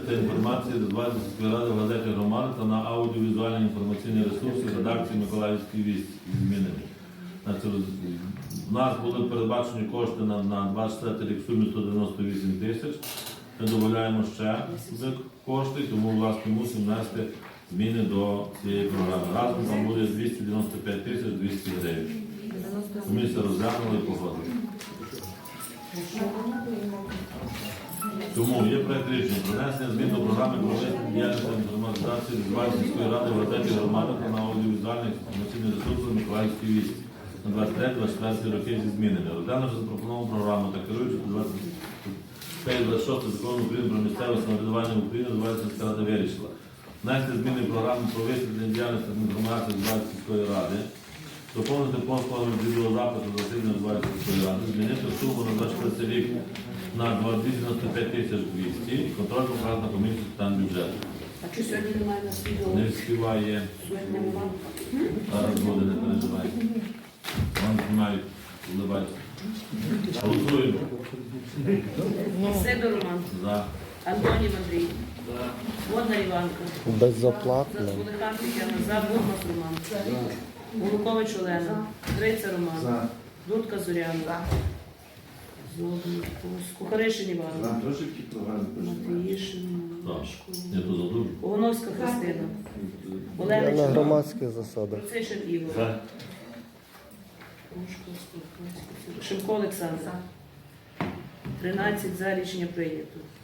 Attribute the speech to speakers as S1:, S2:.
S1: та інформації розвивається сільської ради в газеті «Громада» та на аудіовізуальні інформаційні ресурси редакції Миколаївської вісті змінені. У нас були передбачені кошти на 24 рік в сумі 198 тисяч. Ми додаємо ще кошти, тому власне мусимо внести зміни до цієї програми. Разом там буде 295 тисяч 200 гривень. Комісія розглянула і погодила. Тому є проект рішення про внесення змін до програми проведення діяльності інформатизації Львівської сільської ради в газеті «Громада» та на аудіовізуальних інформаційних ресурсах Миколаївської вісті на 23-24 роки зі змінами. Розглянувши запропоновану програму та керуючи до 26 закону України про місцеве самоврядування в Україні, Львівська сільська рада вирішила внести зміни в програму про висвітлення діяльності інформації Львівської сільської ради, доповнити послугами відеозапису засідання Львівської сільської ради, змінити суму на 24 рік на 295 тисяч 200 і контроль показ на комісію з питань бюджету.
S2: А чи сьогодні немає на відео?
S1: Не співає.
S2: Сьогодні немає.
S1: Зараз буде, не переживайте. Вам знімають, вливайте. Голосуємо.
S2: Сидор Роман.
S1: За.
S2: Антонів Андрій. Водна Іванка.
S3: Безоплатно.
S2: Кулихан Тетяна. За. Бурмас Роман. Голукович Олена. Гриця Роман. Дудка Зоряна. Кухаришин Іван. Матвіїшин.
S1: Я тут задумав.
S2: Огоновська Христина.
S3: Я
S2: Олена
S3: на
S2: Чорна.
S3: громадських засадах.
S2: Процишин Ігор.
S1: За.
S2: Шимко Олександр. 13 за, рішення прийнято.